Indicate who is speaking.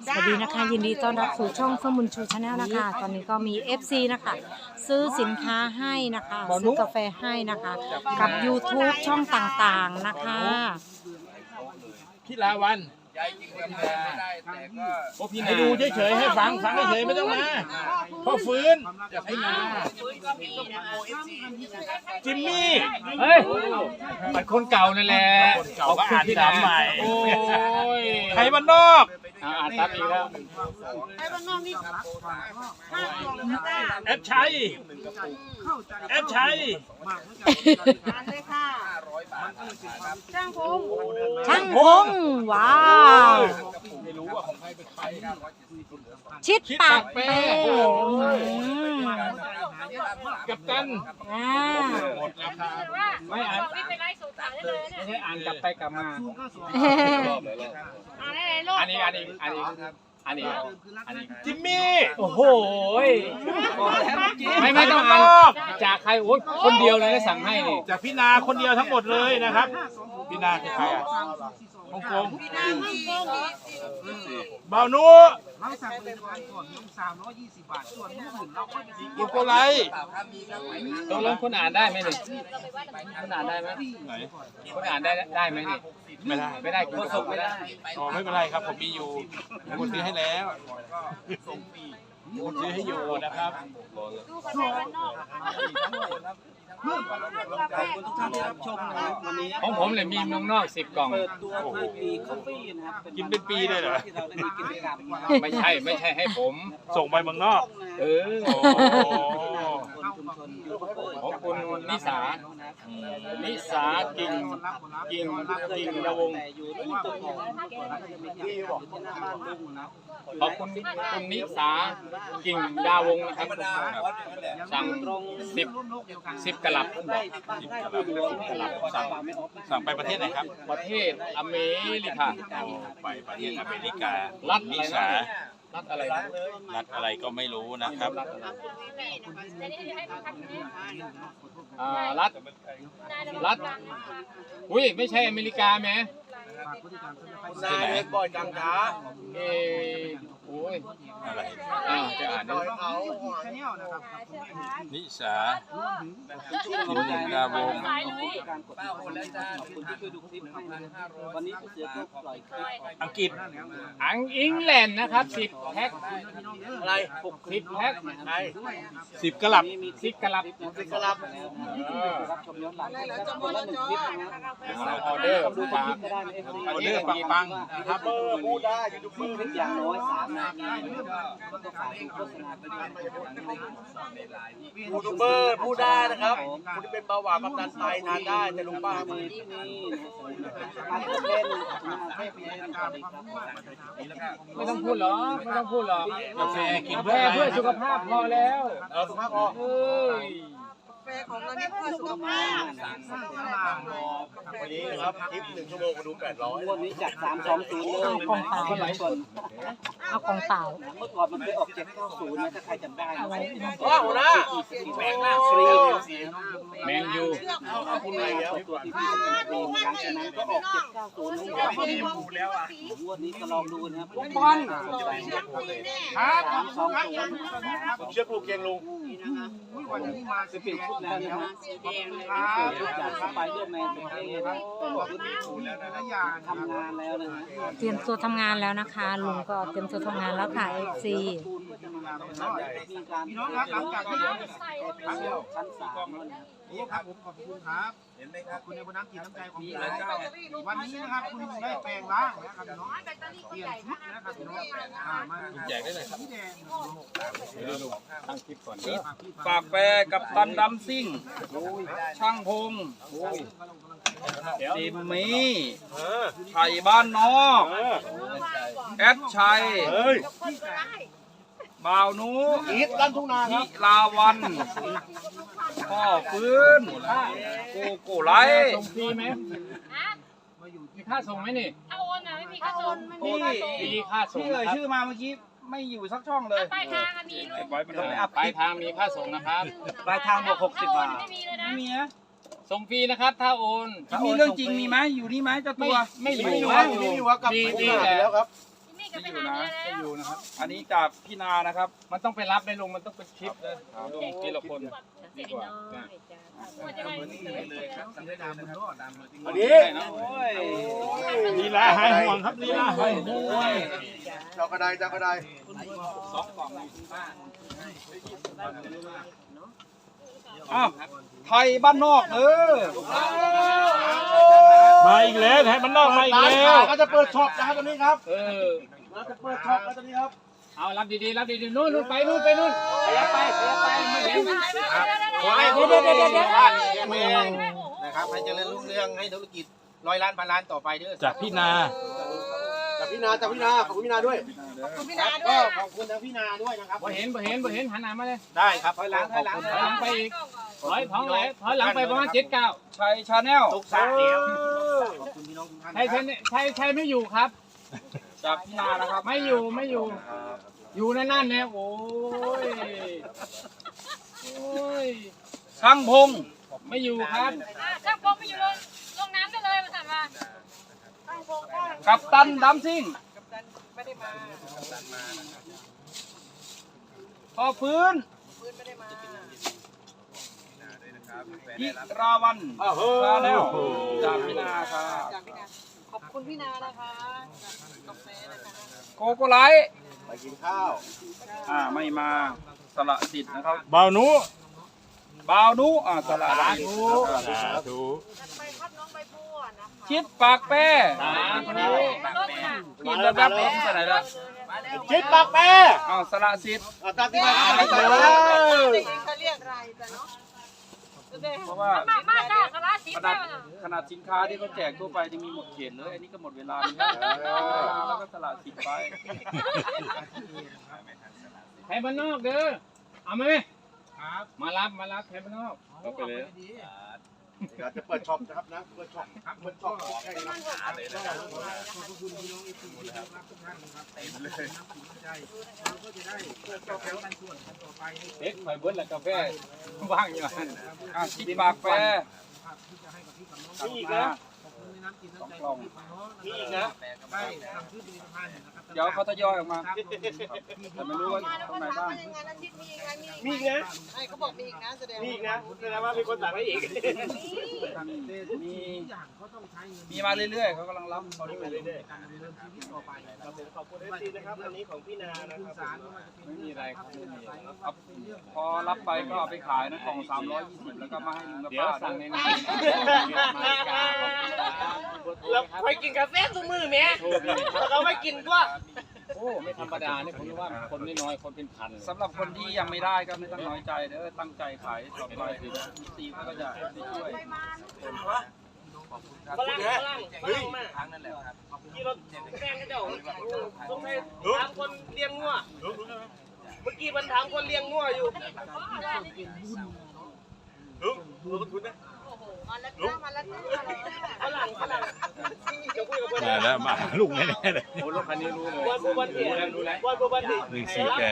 Speaker 1: สวัสดีนะคะยินดีต้อนรับสู่ช่องเฟื่องบุญชูชาแนลนะคะตอนนี้ก็มี FC นะคะซื้อสินค้าให้นะคะซื้อกาแฟให้นะคะกับ YouTube ช่องต่างๆนะคะ
Speaker 2: พี่ลาวันให้ดูเฉยๆให้ฟังเฉยๆไม่ต้องมาพ่อฟื้นอยากให้มาจิมมี่เฮ้ยมันคนเก่านั่นแหละเขาก็อ่านที่น้ำใหม่โอ้ยใครบ้านนอกอ่านตามอีกแล้วใครบ้านนอกนี่แอปชัย
Speaker 3: อ่านเลยค่ะช่างพง
Speaker 1: ว้าว
Speaker 2: ไม่รู้ว่าของใครเป็นใคร
Speaker 1: ชิดปากเป้
Speaker 2: กับตัน หมดราคาไม่อ่านไม่ใช่อ่านกลับไปกลับมาอันนี้จิมมี่โอ้โหไม่ต้องอ่านจากใครโอ้ยคนเดียวเลยนะสั่งให้นี่จากพี่นาคนเดียวทั้งหมดเลยนะครับพี่นาคือใครอ่ะฮ่องกงบ่าวนู
Speaker 4: เราสั่งผลิตภัณฑ์ก่อน320 บาทส่วนอื่นเราก็จะ
Speaker 2: บุโกไล
Speaker 5: ตกลงคุณอ่านได้ไหมนี่คุณอ่านได้ไหมคุณอ่านได้ไหมนี่ไม่ได้คุณส่งไม่ได้
Speaker 2: อ๋อไม่เป็นไรครับผมมีอยู่ผมซื้อให้แล้วผมซื้อให้อยู่นะครับ
Speaker 4: ทุกท่านที่รับชมนะครับวันนี้
Speaker 5: ของผมเลยมีเมืองนอก10 กล่อง
Speaker 4: เปิดตัวเคยมีคอฟฟี่นะครับ
Speaker 2: กินเป็นปีเลยเหรอ
Speaker 4: ที่เราได้มีกิจกรรม
Speaker 5: ไม่ใช่ให้ผม
Speaker 2: ส่งไปเมืองนอก
Speaker 5: เออ
Speaker 2: โอ้
Speaker 4: ชุมชนยูทูบเบอร์
Speaker 5: ของคุณนิสากิ่งระวง
Speaker 4: แต่อยู่ที่ตึกของที่อยู่ที่หน้าบ้านลุงนะ
Speaker 5: ขอบคุณนิสากิ่งดาวงนะครับสั่ง10 กะลับท่านบอก10 กะลับ
Speaker 2: สั่งไปประเทศไหนครับ
Speaker 5: ประเทศอเมริกา
Speaker 2: ไปประเทศอเมริกา
Speaker 5: รัฐ
Speaker 2: นิสา
Speaker 5: อะไรนะ
Speaker 2: รัฐอะไรก็ไม่รู้นะครับ
Speaker 5: รัฐอุ้ยไม่ใช่อเมริกาไหม
Speaker 2: ที่ไหน
Speaker 5: เออโอ้ย
Speaker 2: อะไร
Speaker 5: จะอ่านได้
Speaker 2: นิสากินดาวง
Speaker 4: การกดขอบคุณที่ช่วยดูคลิปให้นะครับวันนี้ผู้เสือก็ปล่อยคลิป
Speaker 2: อังกฤษ
Speaker 5: อิงแลนด์นะครับ10 แพ็คอะไร10 แพ็ค
Speaker 2: 10 กะลับ
Speaker 5: 10 กะลับ
Speaker 4: รับชมย้อนหลังคนละ1คลิปนะครับ
Speaker 5: ออเดอร์
Speaker 4: ดู
Speaker 5: ฝาก
Speaker 4: คลิปก็ได้ใน FC
Speaker 2: ออเดอร์ปังๆนะครับ
Speaker 4: พูดได้ยูทูบเบอร์คลิปอย่างน้อย3 นาทีก็ฝากดูโฆษณาไปด้วย
Speaker 6: ยูทูบเบอร์พูดได้นะครับคุณที่เป็นเบาหวานความดันไตทานได้แต่ลุงป้า
Speaker 4: มีที่นี่มาเล่นเทพเล่นสวัสดีครับ
Speaker 5: ไม่ต้องพูดหรอก
Speaker 2: กาแฟกิน
Speaker 5: กาแฟ
Speaker 2: เพื่ออะไร
Speaker 5: เพื่อสุขภาพพอแล้ว
Speaker 6: สุขภาพพอ
Speaker 5: เอ้ย
Speaker 3: แฟของเราเนี่ยเพื่อสุขภาพ
Speaker 6: วันนี้นะครับคลิป1 ชั่วโมงมาดู800
Speaker 4: วันนี้จัด320เลย
Speaker 1: เอากล่องเปล่า
Speaker 4: คนหลายคน
Speaker 1: เอากล่องเปล่า
Speaker 4: เมื่อก่อนมันเคยออก790นะถ้าใครจำได้นะ
Speaker 6: ว้าวหัวหน้า
Speaker 4: แบงค์ฟรี
Speaker 5: แมนยู
Speaker 6: เอาคุณอะไรแล้ว
Speaker 4: ตัวที่พี่ฟรีหลังจากนั้นก็ออก790นะงวดนี้ก็ลองดูนะครับบอล320
Speaker 6: ผมเชื่อครูเคียงลุง
Speaker 4: จะเปลี่ยนชุดแล้วนะฮะชุดจากสไปเดอร์แมนเป็นเท่นะทำงานแล้วนะฮะ
Speaker 1: เตรียมตัวทำงานแล้วนะคะลุงก็เตรียมตัวทำงานแล้วค่ะ FC
Speaker 4: มีการพี่น้องครับหลังจากที่ชั้น3แล้วนะ
Speaker 7: นี่ครับผมขอบคุณครับเห็นไหมครับคุณในวันน้ำกินน้ำใจของพี่แล้ววันนี้นะครับคุณได้แปลงร่างนะครับน้องเปลี่ยนชุดนะครับน้องมา
Speaker 2: แจกได้เลยครับ
Speaker 7: สีแดง
Speaker 5: ตั้งคลิปก่อน
Speaker 4: ฝากแปรกับตันดำซิ่งช่างพงจิมมี่ไผ่บ้านนอกแอดชัยบ่าวนูอีทลั่นทุ่งนาครับลาวันพ่อฟื้นโกโก้ไล
Speaker 5: ส่งฟรีไหมมีค่าส่งไหมนี่
Speaker 3: ถ้าโอนนะไม่มีค่าส่ง
Speaker 5: มีค่าส่ง
Speaker 4: ที่เอ่ยชื่อมาเมื่อกี้ไม่อยู่สักช่องเลย
Speaker 3: ปลายทางอะมีลุง
Speaker 5: ปลายทางมีค่าส่งนะครับ
Speaker 4: ปลายทางบวก60 บาท
Speaker 3: ไม่มีเลยนะ
Speaker 4: ไม่มีนะ
Speaker 5: ส่งฟรีนะครับถ้าโอน
Speaker 4: มีเรื่องจริงมีไหมอยู่นี่ไหมเจ้าตัว
Speaker 5: ไม่อยู่
Speaker 6: ไม่อยู่ครับกลับ
Speaker 5: มี
Speaker 6: ไปแล้วครับ
Speaker 3: มี
Speaker 4: ไม่อยู่นะไม่อยู่นะครับ อันนี้จากพี่นานะครับ
Speaker 5: มันต้องไปรับในลงมันต้องเป็นคลิปเลยลงทีละคนดีกว่า
Speaker 6: อันนี้
Speaker 2: ลีลาหายห่วงครับลีลาหายห่วง
Speaker 6: เจ้ากระไดเจ้ากระได
Speaker 4: อ้าวไทยบ้านนอก
Speaker 2: มาอีกแล้วไทยมันนอกมาอีกแล้ว
Speaker 6: ก็จะเปิดช็อปนะครับตอนนี้ครับ
Speaker 4: เราจะเปิดช็อปแล้วตอนนี้ครับ
Speaker 5: เอารับดีๆรับดีๆนู่นไปนู่นขยับไปไม่เห็น
Speaker 7: ขอให้
Speaker 1: เดี๋ยว
Speaker 7: นะครับให้เจริญรุ่งเรืองให้ธุรกิจ100 ล้านพันล้านต่อไปเด้อ
Speaker 2: จากพี่นา
Speaker 6: จากพี่นาขอบคุณพี่นาด้วย
Speaker 7: ก็ขอบคุณทางพี่นาด้วยนะครับ
Speaker 5: บ่เห็นหันหน้ามาเลย
Speaker 7: ได้ครับถอยหลัง
Speaker 5: ถอยหลังไปอีกถอยหลังไปประมาณ7-9
Speaker 4: ชัยชาแนล
Speaker 7: ตกสระเดียวขอบคุณพี่น้องทุกท่าน
Speaker 5: ใช่ไม่อยู่ครับ
Speaker 4: จากพี่นานะครับ
Speaker 5: ไม่อยู่อยู่นั่นเนี่ยโอ้ย
Speaker 4: ช่างพง
Speaker 5: ไม่อยู่ครับ
Speaker 3: ช่างพงไปอยู่ลงน้ำได้เลยมาสั่นมา
Speaker 4: กับตันดัมซิ่งพอฟื้นพิราวันชาแนลจากพี่นาครับ
Speaker 3: ขอบคุณพี่นานะคะกาแฟนะคะ
Speaker 4: โกโกไลท์
Speaker 6: ไปกินข้าว
Speaker 4: ไม่มาสละสิทธิ์นะครับ
Speaker 2: บ่าวหนู
Speaker 4: บ่าวนุสละสิทธิ์
Speaker 2: สาธุ
Speaker 3: ไปครับน้องใบบัวนะคะ
Speaker 4: ชิดปากแป้
Speaker 5: คนนี้
Speaker 4: กินแล้วแบบนี้ไปไหนละ
Speaker 6: ชิดปากแปร
Speaker 4: สละสิทธิ์
Speaker 6: ตามที่มา
Speaker 3: เขาเรียกอะไรแต่เนาะ
Speaker 4: เพราะว่า
Speaker 3: มาจ้าสาระสี
Speaker 4: ขนาดสินค้าที่เขาแจกทั่วไปยังมีหมดเขตเลย อันนี้ก็หมดเวลาแล้วก็สละสิทธิ์ไป
Speaker 5: ไทยบ้านนอกเด้อเอาไหมมารับไทยบ้านนอกเอาไปเลย
Speaker 6: เดี๋ยวจะเปิดช็อปนะครับนะเปิดช็อปใช่ครับ
Speaker 7: ขอบคุณพี่น้องเอฟซีนะครับทุกท่านนะครับเต็มเลยน้ำใจเราก็จะได้เปิดต่อแถวกันส่วนกันต่อไปให้
Speaker 5: เด็กไฟเบิ้ลและกาแฟว่างอยู่
Speaker 4: ชิดปากแป้
Speaker 7: ที่จะให้กับพี่กับน้อง
Speaker 6: มีอีกนะ
Speaker 7: ขอบคุณในน้ำกินน้ำใจ
Speaker 4: กล่อง
Speaker 7: ของน้อง
Speaker 6: มีอีกนะ
Speaker 7: ได้ทำซื้อผลิตภัณฑ์นะครับ
Speaker 4: เดี๋ยวเขาทยอยออกมา แต่ไม่รู้ว่า
Speaker 3: มาแล้ว
Speaker 4: ตรง
Speaker 3: ก็
Speaker 4: ไหน
Speaker 3: ถาม
Speaker 4: บ้าง
Speaker 3: ว่ายังไงอาทิตย์มีไง
Speaker 6: มีอีกนะ
Speaker 3: ไอ้เขาบอกมีอีกนะแสดง
Speaker 6: มีอีกนะแสดงว่ามีคนสั่งให้อีก
Speaker 4: มี
Speaker 7: อย่างเขาต้องใช้เงิน
Speaker 4: มีมาเรื่อยๆเขากำลังรับเขาที่มาเรื่อย
Speaker 7: การดำเนินชีวิตต่อไป
Speaker 6: ขอบคุณเอฟซีนะครับอันนี้ของพี่นานะ
Speaker 7: คุณ
Speaker 6: ครับ
Speaker 7: สารไม่ว่าจะเป็น
Speaker 5: ไม่มีอะไรครับไม่มีอะไร
Speaker 4: ๆครับพอรับไปก็เอาไปขายนะกล่อง320แล้วก็มาให้ลุงกับ
Speaker 5: เดี๋ยว
Speaker 4: ป้า
Speaker 5: สั่งใน
Speaker 4: ด้วย
Speaker 5: นี้
Speaker 6: เราไปกินกาแฟทุกมื้อแม่เราไม่กินก็
Speaker 5: โอ้ไม่ธรรมดาเนี่ยผมว่าคนน้อยคนเป็นพัน
Speaker 4: สำหรับคนที่ยังไม่ได้ก็ไม่ต้องน้อยใจเด้อตั้งใจขายต่อไปถึงตีก็จะได้ช่วย
Speaker 6: ฝรั่งเฮ้ยที่เราแกล้งกันเจ้าต้องให้ถามคนเลี้ยงงัวเมื่อกี้มันถามคนเลี้ยงงัวอยู่
Speaker 3: มาแล้วจ้ามาแล้วจ้า
Speaker 6: ฝรั่งจะคุยกับคน
Speaker 2: มาแล้วมาลูกแน่ๆเลย
Speaker 5: โอ้รถคันนี้รู้เลย
Speaker 6: วันบันเดียวันบันเดีย
Speaker 2: 148